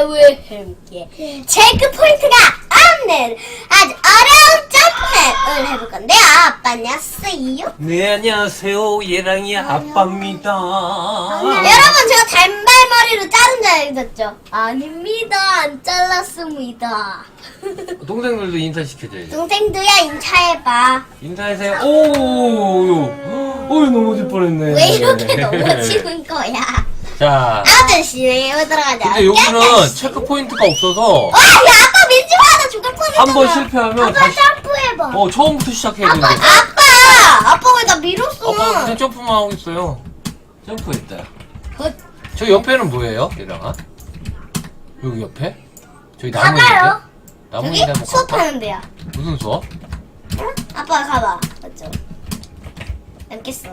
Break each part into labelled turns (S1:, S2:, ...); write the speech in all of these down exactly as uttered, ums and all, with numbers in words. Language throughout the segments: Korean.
S1: 아빠와 함께 체크 포인트가 없는 아주 어려운 점프맵을 해볼 건데요. 아빠 안녕하세요.
S2: 네, 안녕하세요. 예랑이 아빠입니다.
S1: 여러분, 제가 단발머리로 자른 줄 알겠죠? 아닙니다. 안 잘랐습니다.
S2: 동생들도 인사시켜줘야지.
S1: 동생도야 인사해봐.
S2: 인사하세요. 오, 오, 넘어질 뻔했네.
S1: 왜 이렇게 넘어지는 거야?
S2: 자,
S1: 아무튼 진행해보도록 하자.
S2: 근데 여기는 체크 포인트가 없어서
S1: 와, 야, 아빠 밀지 마. 나 죽을 뻔했잖아.
S2: 한 번 실패하면
S1: 아빠
S2: 다시,
S1: 점프해봐.
S2: 어, 처음부터 시작해야 되는데.
S1: 아빠! 아빠 왜 나 밀었어?
S2: 아빠 그냥 점프만 하고 있어요. 점프했다.
S1: 헛.
S2: 저 옆에는 뭐예요, 예랑아? 여기 옆에? 저기 나무
S1: 가봐요.
S2: 있는데? 나무
S1: 여기
S2: 있는데 한번 가볼까?
S1: 수업하는 데야.
S2: 무슨 수업?
S1: 응? 아빠 가봐. 맞죠? 뵙겠어.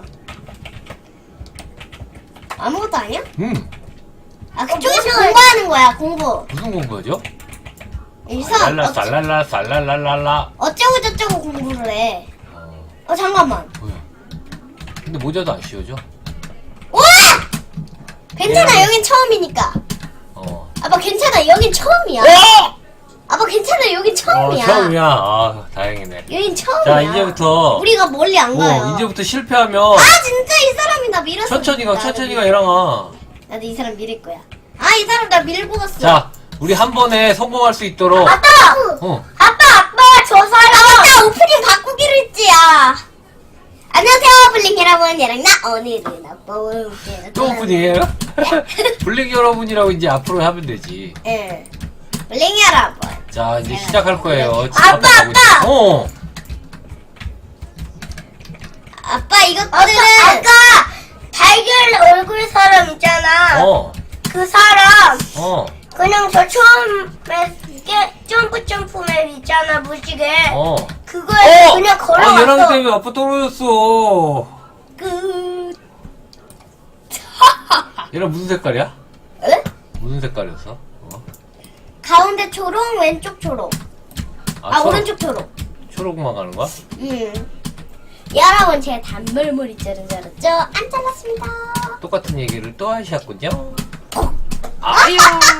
S1: 아무것도 아니야?
S2: 음,
S1: 아, 그쪽에서 공부하는 거야, 공부.
S2: 무슨 공부하죠?
S1: 여기서
S2: 랄라,
S1: 어쩌,
S2: 쌀랄라, 쌀랄랄랄라.
S1: 어쩌고 저쩌고 공부를 해.
S2: 어,
S1: 어, 잠깐만.
S2: 뭐야? 근데 모자도 안 씌워져?
S1: 우와! 괜찮아,
S2: 예.
S1: 여긴 처음이니까.
S2: 어.
S1: 아빠 괜찮아, 여긴 처음이야. 아빠 괜찮아, 여긴 처음이야.
S2: 어, 처음이야. 아, 다행이네.
S1: 여긴 처음이야.
S2: 자, 이제부터.
S1: 우리가 멀리 안 가요.
S2: 어, 이제부터 실패하면.
S1: 아, 진짜 이 사람이 나 밀었어.
S2: 천천히 가,
S1: 나도
S2: 천천히 가,
S1: 밀-
S2: 얘랑아.
S1: 나도 이 사람 밀을 거야. 아, 이 사람 나 밀고 갔어.
S2: 자, 우리 한 번에 성공할 수 있도록.
S1: 아빠!
S2: 어.
S1: 아빠, 아빠, 저 사람. 아, 맞다, 오프닝 바꾸기로 했지야. 안녕하세요, 블링 여러분. 얘랑 나 오늘은 아빠와 함께.
S2: 또 오픈이에요? 블랙 여러분이라고 이제 앞으로 하면 되지.
S1: 예. 블링 여러분.
S2: 자, 이제 시작할 거예요. 집
S1: 아빠,
S2: 앞에 가고
S1: 아빠!
S2: 있어요. 어.
S1: 아빠, 이것들은. 아까 달걀 얼굴 사람 있잖아.
S2: 어.
S1: 그 사람.
S2: 어.
S1: 그냥 저 처음에 이게 점프 점프 맵 있잖아, 무지개.
S2: 어.
S1: 그거에
S2: 어!
S1: 그냥
S2: 아,
S1: 걸어갔어.
S2: 얘랑 때문에 아빠 떨어졌어.
S1: 끝.
S2: 얘랑 무슨 색깔이야?
S1: 에?
S2: 무슨 색깔이었어? 어?
S1: 가운데 초록, 왼쪽 초록. 아,
S2: 초록-
S1: 오른쪽 초록.
S2: 초록만 가는 거야?
S1: 음. 여러분, 제가 단물머리 자른 줄 알았죠? 안 잘랐습니다.
S2: 똑같은 얘기를 또 하셨군요. 아유.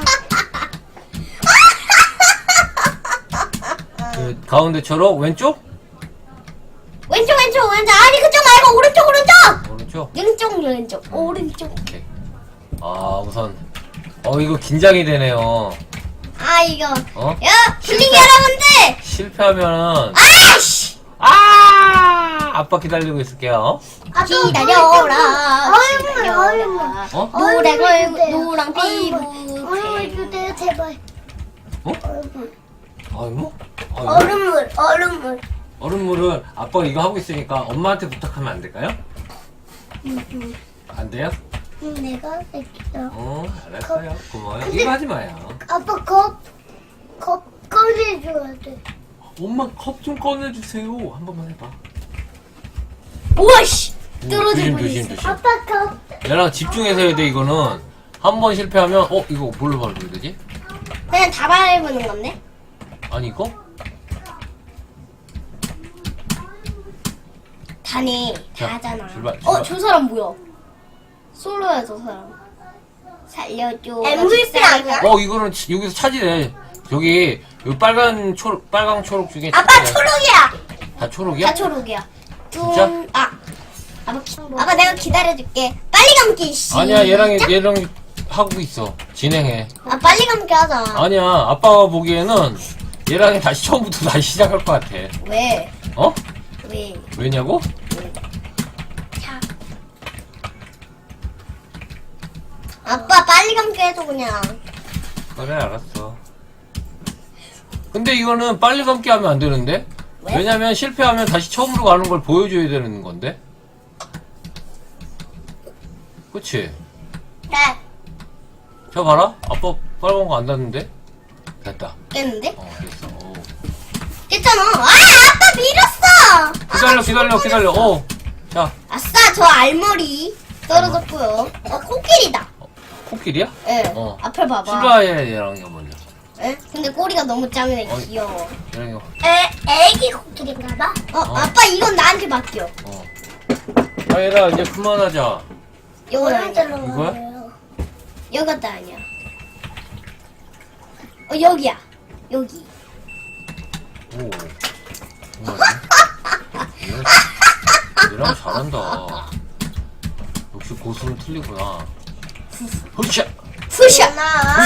S2: 그 가운데 초록 왼쪽?
S1: 왼쪽, 왼쪽, 왼쪽. 아니, 그쪽 말고 오른쪽, 오른쪽.
S2: 오른쪽.
S1: 왼쪽, 왼쪽, 오른쪽.
S2: 오케이. 아 우선 어 이거 긴장이 되네요.
S1: 아, 이거.
S2: 어?
S1: 야, 블링
S2: 실패.
S1: 여러분들.
S2: 실패하면은
S1: 아이씨.
S2: 아 아빠 기다리고 있을게요.
S1: 기다려라. 기다려라.
S2: 어?
S1: 노랑 얼굴, 노랑 피부.
S3: 얼음물 주세요, 제발.
S2: 어?
S3: 얼음물.
S2: 아이고? 아이고?
S3: 얼음물, 얼음물.
S2: 얼음물을 아빠가 이거 하고 있으니까 엄마한테 부탁하면 안 될까요? 안 돼요?
S3: 응, 내가 할게요.
S2: 어 알았어요. 고마워요. 이거 하지 마요.
S3: 아빠 컵, 컵 꺼내줘야 돼.
S2: 엄마 컵 좀 꺼내주세요. 한 번만 해봐.
S1: 오이씨.
S2: 오,
S1: 떨어질
S2: 조심
S1: 뻔했어.
S2: 조심 조심.
S3: 아빠 컵.
S2: 얘랑 집중해서 해야 돼 이거는. 한 번 실패하면 어 이거 뭘로 밟아야 되지?
S1: 그냥 다 밟는 건데?
S2: 아니 이거?
S1: 다네.
S2: 자,
S1: 다 하잖아.
S2: 출발,
S1: 어,
S2: 출발.
S1: 저 사람 뭐야? 솔로야, 저 사람. 살려줘.
S3: 엠브이피 아니야?
S2: 어 이거는 치- 여기서 찾으래. 여기 여기 빨간 초록 빨강 초록 중에
S1: 아빠
S2: 찾으래.
S1: 초록이야.
S2: 다 초록이야?
S1: 다 초록이야.
S2: 진짜?
S1: 음, 아. 아빠, 기, 아빠 내가 기다려줄게. 빨리 감기, 씨.
S2: 아니야 얘랑 얘랑 하고 있어. 진행해.
S1: 아, 빨리 감기 하자.
S2: 아니야 아빠가 보기에는 얘랑이 다시 처음부터 다시 시작할 것 같아.
S1: 왜?
S2: 어?
S1: 왜?
S2: 왜냐고?
S1: 자. 아빠 빨리 감기 해줘, 그냥.
S2: 그래 알았어. 근데 이거는 빨리 감기 하면 안 되는데?
S1: 왜?
S2: 왜냐면 실패하면 다시 처음으로 가는 걸 보여줘야 되는 건데? 그치?
S1: 네.
S2: 자 봐라 아빠 빨간 거 안 닿는데? 됐다.
S1: 깼는데?
S2: 어 됐어. 어.
S1: 깼잖아. 아, 아빠 밀었어.
S2: 기다려
S1: 아,
S2: 기다려 기다려. 어. 자
S1: 아싸, 저 알머리 떨어졌고요. 어, 코끼리다.
S2: 코끼리야?
S1: 예.
S2: 어.
S1: 앞을 봐봐.
S2: 실루아의 얘랑 이거 먼저.
S1: 예? 근데 꼬리가 너무 작네.
S2: 어.
S1: 귀여워.
S2: 얘랑 이거.
S3: 애, 애기 코끼리인가 봐.
S1: 어, 아빠 이건 나한테 맡겨.
S2: 어. 아 얘들아 이제 그만하자.
S1: 이건 아니야.
S3: 오른쪽으로
S2: 이거야?
S3: 가요.
S1: 이것도 아니야. 어, 여기야. 여기.
S2: 오. 정말요? 얘랑 잘한다. 역시 고수는 틀리구나. 후샷!
S1: 푸샷!
S3: 나.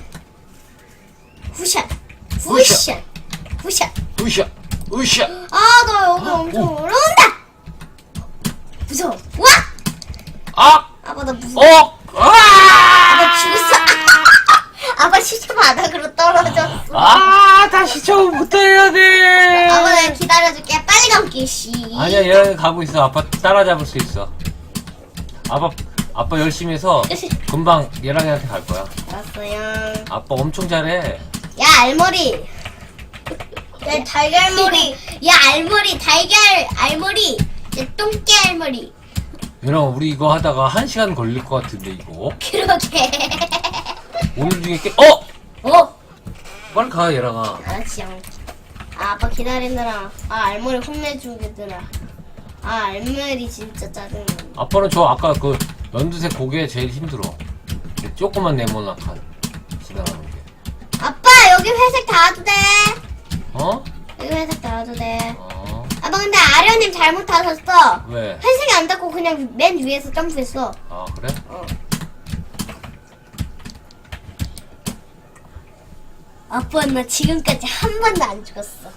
S1: 후샷! 후샷! 후샷!
S2: 으쌰! 으쌰!
S1: 아, 나 여기
S2: 어,
S1: 엄청
S2: 오.
S1: 어려운다! 무서워. 와!
S2: 아!
S1: 아빠, 나 무서워.
S2: 어! 아!
S1: 나 죽었어. 아빠 시체 바닥으로 떨어졌어.
S2: 아! 다시 처음부터 해야 돼!
S1: 아빠, 내가 기다려줄게. 빨리 감기, 씨.
S2: 아니야, 얘랑 가고 있어. 아빠 따라잡을 수 있어. 아빠, 아빠 열심히 해서 금방 얘랑이한테 갈 거야.
S1: 알았어요.
S2: 아빠 엄청 잘해.
S1: 야, 알머리.
S3: 내 달걀머리.
S1: 야, 알머리, 달걀, 알머리. 야, 똥개 알머리.
S2: 얘랑 우리 이거 하다가 한 시간 걸릴 것 같은데, 이거.
S1: 그러게.
S2: 오늘 중에 깨, 어!
S1: 어?
S2: 빨리 가, 얘랑아.
S1: 알았지, 형. 아, 아빠 기다리느라. 아, 알머리 혼내주겠더라. 아, 알머리 진짜 짜증나.
S2: 아빠는 저 아까 그 연두색 고개 제일 힘들어. 그 조그만 네모나칸 지나가는 게.
S1: 아빠, 여기 회색 닿아도 돼.
S2: 어?
S1: 여기 회색 닿아도 돼.
S2: 어?
S1: 아빠, 근데 아련님 잘못 닿았어.
S2: 왜?
S1: 회색이 안 닿고 그냥 맨 위에서 점프했어.
S2: 아, 그래?
S1: 어. 아빠, 나 지금까지 한 번도 안 죽었어.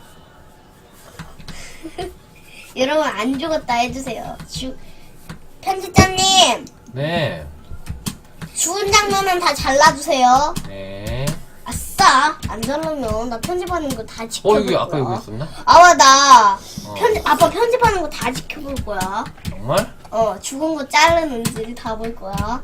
S1: 여러분, 안 죽었다 해주세요. 주... 편집자님,
S2: 네.
S1: 죽은 장면은 다 잘라주세요.
S2: 네.
S1: 아싸! 안 잘라면 나 편집하는 거 다
S2: 어,
S1: 지켜볼
S2: 여기
S1: 거야.
S2: 아까 여기 있었나?
S1: 아와, 나
S2: 어.
S1: 편집, 아빠 편집하는 거 다 지켜볼 거야.
S2: 정말?
S1: 어, 죽은 거 자르는지 다 볼 거야.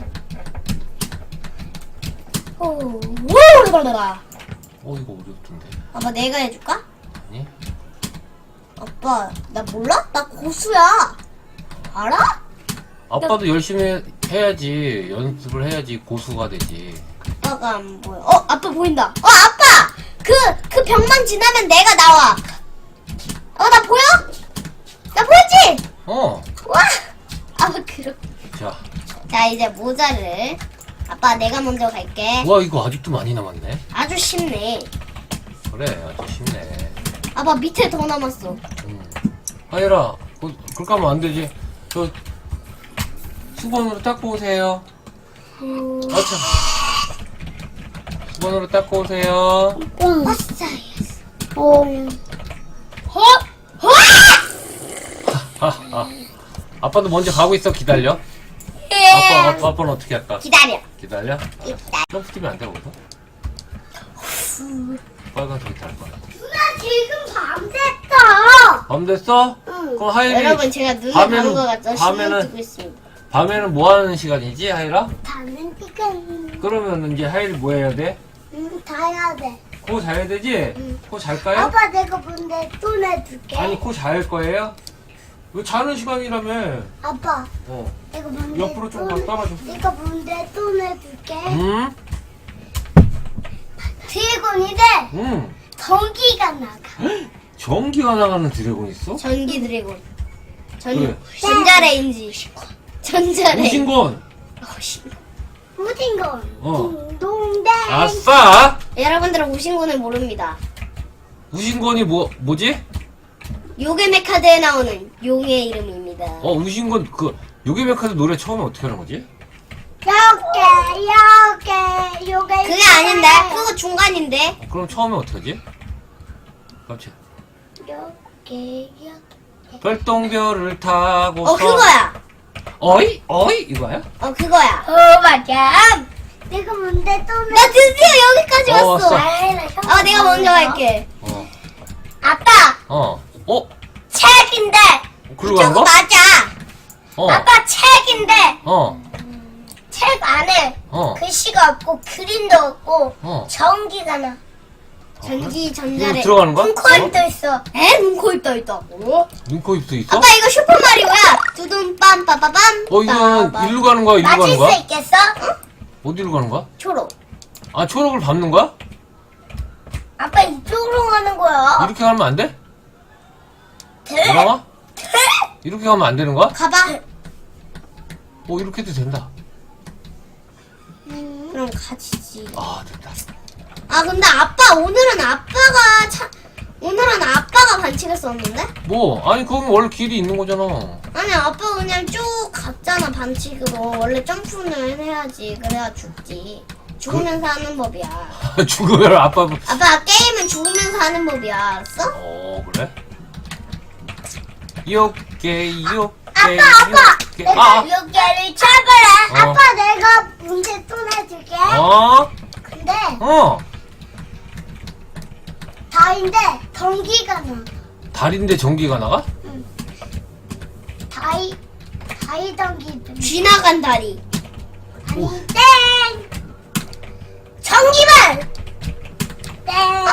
S1: 오, 오, 이거라.
S2: 어, 이거 어렵던데.
S1: 아빠, 내가 해줄까?
S2: 아니?
S1: 아빠, 나 몰라? 나 고수야. 알아?
S2: 아빠도 열심히 해야지. 연습을 해야지 고수가 되지.
S1: 아빠가 안 보여. 어, 아빠 보인다. 어, 아빠! 그, 그 벽만 지나면 내가 나와. 어, 나 보여? 나 보였지?
S2: 어.
S1: 와! 아빠, 그럼.
S2: 자.
S1: 자, 이제 모자를. 아빠, 내가 먼저 갈게.
S2: 와, 이거 아직도 많이 남았네.
S1: 아주 쉽네.
S2: 그래, 아주 쉽네.
S1: 아빠, 밑에 더 남았어.
S2: 음. 하이라, 그, 그렇게 하면 안 되지. 저, 수건으로 닦고 오세요. 아, 참. 수건으로 닦고 오세요.
S1: 아싸,
S3: 어.
S1: 어? 어?
S2: 하, 하. 아빠도 먼저 가고 있어. 기다려.
S1: 예.
S2: 아빠, 아빠, 아빠는 어떻게 할까?
S1: 기다려.
S2: 기다려?
S1: 기다려.
S2: 점프 뛰면 안 돼, 거기서? 빨간색이 달 거야.
S3: 누나 지금 밤 됐어.
S2: 밤 됐어?
S3: 응.
S2: 그럼 하이리.
S1: 여러분, 제가 눈을
S2: 밤에는-
S1: 감은 것 같죠? 신경
S2: 밤에는-
S1: 쓰고 있습니다.
S2: 밤에는 뭐 하는 시간이지, 하이라?
S3: 자는 시간.
S2: 그러면 이제 하이리 뭐 해야 돼?
S3: 응, 자야 돼.
S2: 코 자야 되지?
S3: 응.
S2: 코 잘까요?
S3: 아빠 내가 뭔데 또 내줄게.
S2: 아니, 코 잘 거예요? 왜 자는 시간이라며?
S3: 아빠
S2: 어.
S3: 내가 뭔데
S2: 옆으로 좀
S3: 또
S2: 더 따라줘.
S3: 내가 뭔데 또 내줄게.
S2: 응?
S3: 드래곤이 돼.
S2: 응.
S3: 전기가 나가.
S2: 전기가 나가는 드래곤 있어?
S1: 전기 드래곤. 전,
S2: 그래.
S1: 전자레인지. 전자레인지.
S2: 우신곤.
S3: 우진건.
S2: 어.
S3: 딩동댕.
S2: 아싸!
S1: 여러분들은 우신군을 모릅니다.
S2: 우신곤이 뭐, 뭐지?
S1: 요괴메카드에 나오는 용의 이름입니다.
S2: 어, 우신곤, 그, 요괴메카드 노래 처음에 어떻게 하는 거지?
S3: 요게 요게 요게.
S1: 그게 아닌데? 그거 중간인데?
S2: 어, 그럼 처음에 어떻게 하지? 깜짝.
S3: 요게 요.
S2: 별똥별을 타고서.
S1: 어, 그거야.
S2: 어이? 어이? 이거야?
S1: 어, 그거야.
S3: 어 맞아. 내가 뭔데 또 내.
S1: 나 드디어 여기까지
S2: 어,
S1: 왔어.
S2: 왔어.
S1: 아, 내가 먼저 갈게.
S2: 어.
S3: 아빠
S2: 어. 어?
S3: 책인데.
S2: 글로 가는
S1: 저거
S2: 거?
S1: 맞아.
S2: 어.
S3: 아빠 책인데
S2: 어.
S3: 책 안에
S2: 어.
S3: 글씨가 없고 그림도 없고
S2: 어.
S3: 전기가 나.
S1: 전기,
S2: 이거
S1: 전자레.
S2: 들어가는 거야?
S3: 눈코입도 있어.
S1: 에? 눈코 입도 있다고?
S2: 눈코 입도 있어?
S1: 아빠, 이거 슈퍼마리오야. 두둠 빰 빠빠빰.
S2: 어, 이거는
S1: 빠밤.
S2: 일로 가는 거야? 이리로
S3: 맞을
S2: 가는
S3: 수
S2: 거야?
S3: 있겠어?
S2: 어디로 가는 거야?
S1: 초록.
S2: 아, 초록을 밟는 거야?
S3: 아빠 이쪽으로 가는 거야.
S2: 이렇게 가면 안 돼?
S3: 돼?
S2: 뭐라고?
S3: 돼?
S2: 이렇게 가면 안 되는 거야?
S1: 가봐.
S2: 어, 이렇게 해도 된다.
S1: 그럼 가지지.
S2: 아, 됐다.
S1: 아 근데 아빠 오늘은 아빠가 차 오늘은 아빠가 반칙을 썼는데?
S2: 뭐 아니 그건 원래 길이 있는 거잖아.
S1: 아니 아빠 그냥 쭉 갔잖아 반칙으로. 원래 점프는 해야지 그래야 죽지. 죽으면서 하는 법이야.
S2: 죽으면 아빠 뭐-
S1: 아빠 게임은 죽으면서 하는 법이야. 알았어?
S2: 어 그래? 요게 요게
S3: 아빠, 아빠!
S2: 요게
S3: 내가
S2: 아
S3: 여기를 쳐봐라.
S2: 어.
S3: 아빠 내가 문제 또 내줄게.
S2: 어?
S3: 근데
S2: 어?
S3: 다인데 전기가 나.
S2: 달인데 전기가 나가?
S3: 다이 다이 전기.
S1: 쥐나간 다리.
S2: 오.
S3: 아니 땡. 전기발. 땡.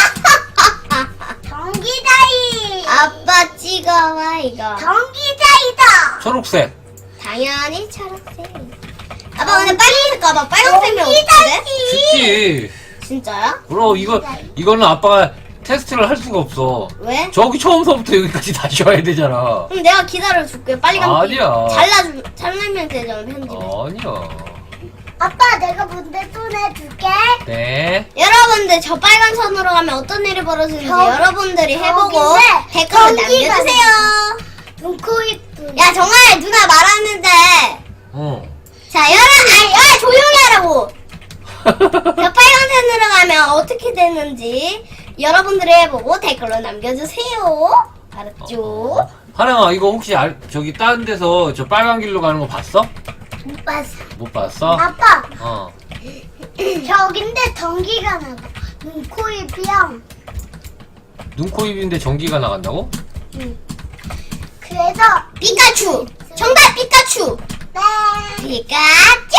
S3: 전기다이.
S1: 아빠 찍어와 이거.
S3: 전기다이다.
S2: 초록색.
S1: 당연히 초록색. 아빠 근데 빨간색 가봐. 빨간색이 어떻게 돼?
S2: 쉽지.
S1: 진짜야?
S2: 그럼 이거 이거는 아빠가 테스트를 할 수가 없어.
S1: 왜?
S2: 저기 처음서부터 여기까지 다시 와야 되잖아.
S1: 그럼 내가 기다려줄게. 빨리 가면
S2: 아니야.
S1: 잘라주 잘라면 되잖아 편집에.
S2: 아니야.
S3: 아빠 내가 문제 또 내줄게.
S2: 네.
S1: 여러분들 저 빨간 선으로 가면 어떤 일이 벌어지는지
S3: 저-
S1: 여러분들이 해보고
S3: 저기인데
S1: 댓글로
S3: 전기가
S1: 남겨주세요.
S3: 눈, 코, 입, 눈.
S1: 야 정말 누나 말하는데
S2: 어.
S1: 자 여러 아니 야 조용히 하라고. 저 빨간 선으로 가면 어떻게 되는지 여러분들이 해보고 댓글로 남겨주세요. 알았죠?
S2: 하랑아 이거 혹시 알, 저기 다른 데서 저 빨간 길로 가는 거 봤어?
S3: 못 봤어.
S2: 못 봤어?
S3: 아빠
S2: 어.
S3: 저긴데 전기가 나고 눈, 코, 입이랑
S2: 눈, 코, 입인데 전기가 나간다고?
S3: 그래서
S1: 피카츄 정답 피카츄.
S3: 네
S1: 피카츄.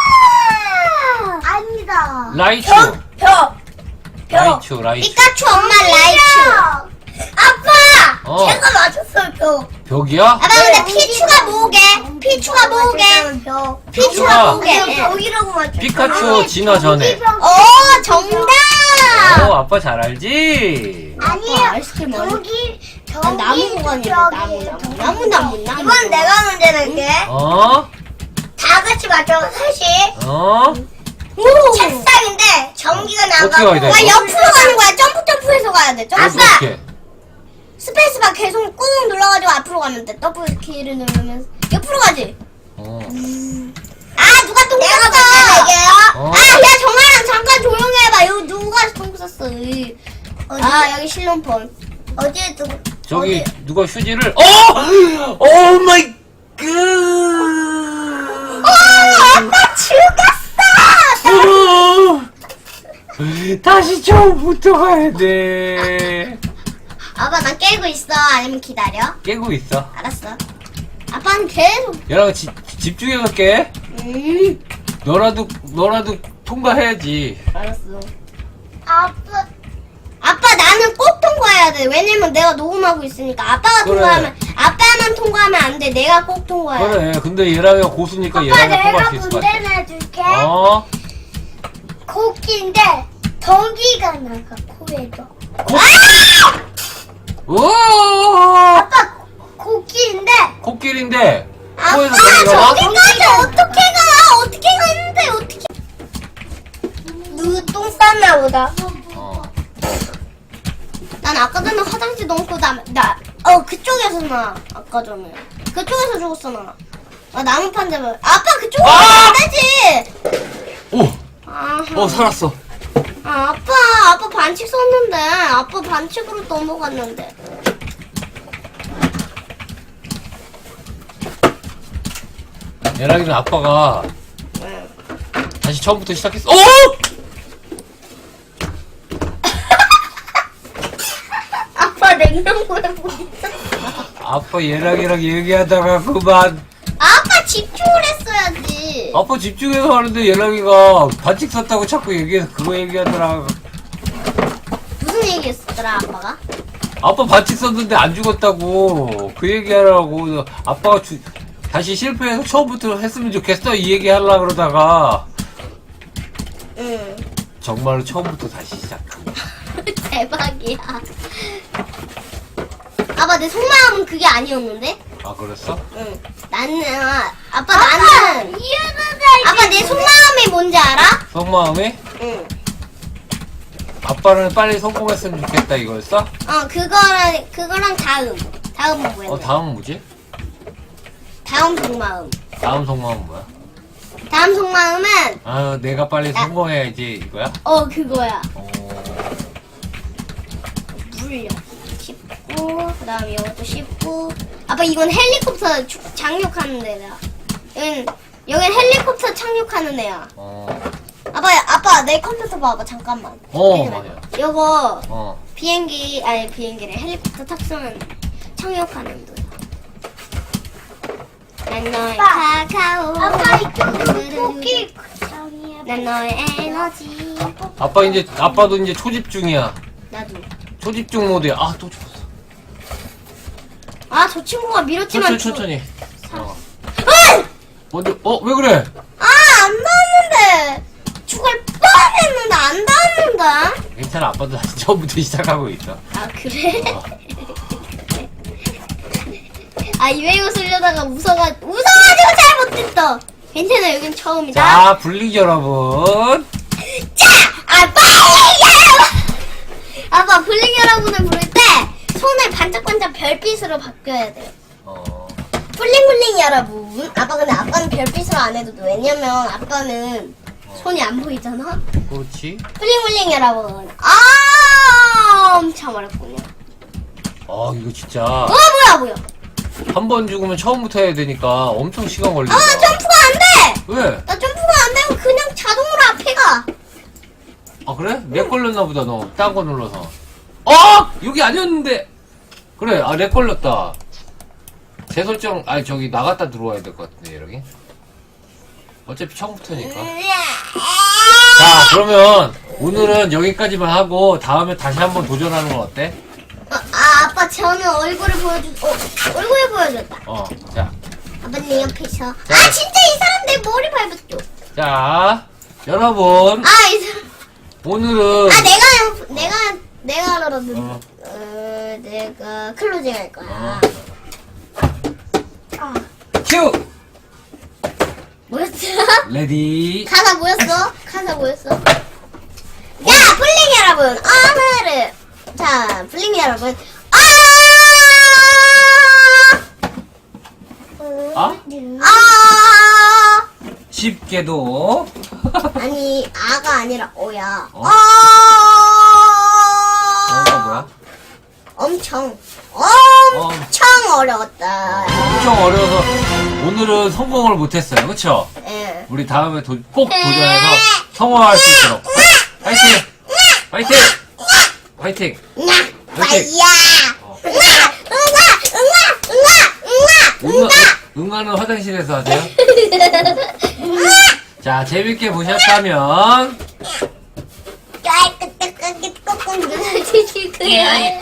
S3: 아니다.
S2: 라이츄.
S3: 벽
S2: 라이츄, 라이츄.
S1: 피카츄 엄마 라이츄.
S3: 아빠
S2: 어.
S3: 제가 맞췄어요 벽.
S2: 벽이야?
S1: 아빠 근데 피추가 뭐게? 피추가 뭐게?
S3: 벽.
S1: 피추가
S2: 피추가
S1: 뭐게?
S3: 그냥 벽이라고 맞췄어.
S2: 피카츄 진화 전에.
S1: 어 정답.
S2: 어, 아빠 잘 알지?
S3: 아니에요.
S1: 아빠 아이스크림 아니-
S3: 저기
S1: 난
S3: 저기
S1: 나무 보관이래 나무 나무 나무 나무 나무.
S3: 이번 내가 문제 낼게.
S2: 어?
S3: 다 같이 맞춰 사실
S2: 어?
S1: 오.
S3: 책상인데 전기가
S2: 어떻게
S3: 나가고
S2: 가야 돼?
S1: 와 옆으로 가는 거야. 점프 점프해서 가야 돼. 점프.
S2: 어떻게?
S1: 스페이스바 계속 꾹 눌러가지고 앞으로 가면 돼. 더블 키를 누르면 옆으로 가지.
S2: 어.
S1: 아 누가 똥
S3: 내가
S1: 쌌어?
S3: 문제 낼게요.
S2: 어?
S1: 아야 정아랑 잠깐 조용히 해봐. 여기 누가 똥 쌌어? 이. 아 여기 실론폰.
S3: 어디에 두고
S2: 저기
S3: 어디-
S2: 누가 휴지를 어! 오 마이 갓!
S1: 아빠 죽었어.
S2: 어! 다시 처음부터 가야 돼.
S1: 아빠 난 깨고 있어. 아니면 기다려.
S2: 깨고 있어.
S1: 알았어. 아빠는 계속.
S2: 얘랑 지, 집중해서 깨.
S1: 음.
S2: 너라도 너라도 통과해야지.
S1: 알았어.
S3: 아빠
S1: 아빠 나는 꼭 통과해야 돼. 왜냐면 내가 녹음하고 있으니까. 아빠가
S2: 그래.
S1: 통과하면 아빠만 통과하면 안 돼. 내가 꼭 통과해.
S2: 그래. 근데 얘랑이가 고수니까
S3: 아빠
S2: 얘랑이 통과할
S3: 내가
S2: 수 있을 것
S3: 문제
S2: 같아.
S3: 내줄게.
S2: 어?
S3: 코끼인데 전기가 나가 코에서.
S2: 오!
S3: 아빠 코끼인데
S2: 코끼리인데
S1: 아빠
S2: 코에서 전기가 나?
S1: 저기까지 어떻게 가? 어떻게 가는데 어떻게?
S3: 누구 똥 쌌나 보다.
S2: 어.
S1: 난 아까 전에 화장실 넘고 나나어 그쪽에서 나 아까 전에 그쪽에서 죽었어 나. 아 나무판 잡아. 아빠 그쪽으로
S2: 아!
S1: 가면 안 되지.
S2: 오!
S1: 아하.
S2: 어 살았어.
S1: 아, 아빠, 아빠 반칙 썼는데, 아빠 반칙으로 넘어갔는데.
S2: 얘랑이는 아빠가 다시 처음부터 시작했어. 어!
S1: 아빠 냉장고에 뭐 있어?
S2: 아빠 얘랑이랑 얘기하다가 그만.
S1: 아빠 집중을 했어야지.
S2: 아빠 집중해서 하는데 얘랑이가 반칙 썼다고 자꾸 얘기해서 그거 얘기하더라.
S1: 무슨 얘기 했었더라, 아빠가?
S2: 아빠 반칙 썼는데 안 죽었다고 그 얘기하라고. 아빠가 주, 다시 실패해서 처음부터 했으면 좋겠어 이 얘기 하려고 그러다가
S1: 응.
S2: 정말로 처음부터 다시 시작한 거야.
S1: 대박이야. 아빠, 내 속마음은 그게 아니었는데?
S2: 아 그랬어?
S1: 응. 나는, 아, 아빠, 나는.
S3: 이해는
S1: 아빠, 내 속마음이 뭔지 알아?
S2: 속마음이?
S1: 응.
S2: 아빠는 빨리 성공했으면 좋겠다 이거였어?
S1: 어 그거랑 그거랑 다음 다음은 뭐야?
S2: 어 다음은 뭐지?
S1: 다음 속마음.
S2: 다음 속마음은 뭐야?
S1: 다음 속마음은
S2: 아 내가 빨리
S1: 나-
S2: 성공해야지 이거야?
S1: 어 그거야.
S2: 어...
S1: 물려. 씹고 그다음 이것도 씹고. 아빠 이건 헬리콥터 주- 착륙하는 데다. 여긴 여긴 헬리콥터 착륙하는 애야.
S2: 어...
S1: 아빠 아빠 내 컴퓨터 봐봐 잠깐만.
S2: 어,
S1: 잠시만.
S2: 맞아요.
S1: 요거
S2: 어...
S1: 비행기 아니 비행기래 헬리콥터 탑승 착륙하는 데. 난 너의
S3: 아빠.
S1: 카카오.
S3: 아빠 이거 코끼리
S1: 난 너의 에너지.
S2: 아빠 이제 아빠도 이제 초집중이야.
S1: 나도.
S2: 초집중 모드야. 아 또 죽었어.
S1: 아 저 친구가 밀었지만.
S2: 천천히 천천히. 어.
S1: 아!
S2: 먼저 어 왜 그래?
S1: 아안 닿는데. 죽을 뻔했는데 안 닿는다.
S2: 괜찮아 아빠도 다시 처음부터 시작하고 있어.
S1: 아 그래?
S2: 어.
S1: 아 이외고 쓰려다가 웃어가 웃어가지고 잘못했어. 괜찮아 여긴 처음이다.
S2: 자 블릭 여러분.
S1: 아 빨리 여러분. 아빠 블링 여러분을 부를 때 손을 반짝반짝 별빛으로 바뀌어야 돼.
S2: 어.
S1: 블링블링 여러분. 아빠 근데 아빠는 별빛으로 안 해도 돼. 왜냐면 아빠는 손이 안 보이잖아.
S2: 그렇지.
S1: 블링블링 여러분. 아 엄청 어렵군요.
S2: 아 이거 진짜
S1: 어 뭐야 뭐야.
S2: 한 번 죽으면 처음부터 해야 되니까 엄청 시간 걸린다.
S1: 아 점프가 안 돼.
S2: 왜?
S1: 나 점프가 안 되고 그냥 자동으로 앞에 가.
S2: 아 그래? 렉 걸렸나 보다 너 딴 거 눌러서. 어! 여기 아니었는데. 그래 아 렉 걸렸다. 재설정 아니 저기 나갔다 들어와야 될 것 같은데 여기. 어차피 처음부터니까. 자 그러면 오늘은 여기까지만 하고 다음에 다시 한번 도전하는 건 어때?
S1: 어, 아 아빠 저는 얼굴을 보여주. 어 얼굴을 보여줬다.
S2: 어, 자,
S1: 아빠님 옆에서. 아 진짜 이 사람 내 머리 밟았죠.
S2: 자, 여러분
S1: 아 이 사람.
S2: 오늘은
S1: 아 내가 내가 내가 알아는.
S2: 어.
S1: 어 내가 클로징 할 거야.
S3: 아,
S2: 큐
S1: 뭐였어?
S2: 레디.
S1: 가사 뭐였어? 가사 뭐였어? 야 블링 여러분 오늘은 자 블링 여러분 아
S2: 아?
S1: 아
S2: 쉽게도
S1: 아니 아가 아니라 오야.
S2: 어?
S1: 아
S2: 어가 뭐야?
S1: 엄청
S2: 어,
S1: 엄청 어려웠다.
S2: 엄청 어려워서 오늘은 성공을 못했어요, 그렇죠?
S1: 예.
S2: 우리 다음에 도, 꼭 도전해서 성공할 수 있도록 파이팅! 파이팅! 파이팅!
S1: 나
S2: 파이팅!
S1: 빠이야.
S2: 어.
S1: 응아 응아 응아 응아
S2: 응아, 응아는 화장실에서 하세요. 자, 재밌게 보셨다면
S1: 깔끔하게 꼭꼭 눌러주실 거예요.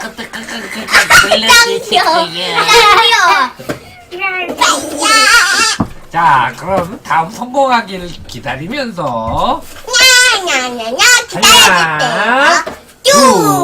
S2: 자, 그럼 다음 성공하기를 기다리면서
S1: 냐냐냐냐
S2: 하나,
S1: 기다려줄게요. 쭉.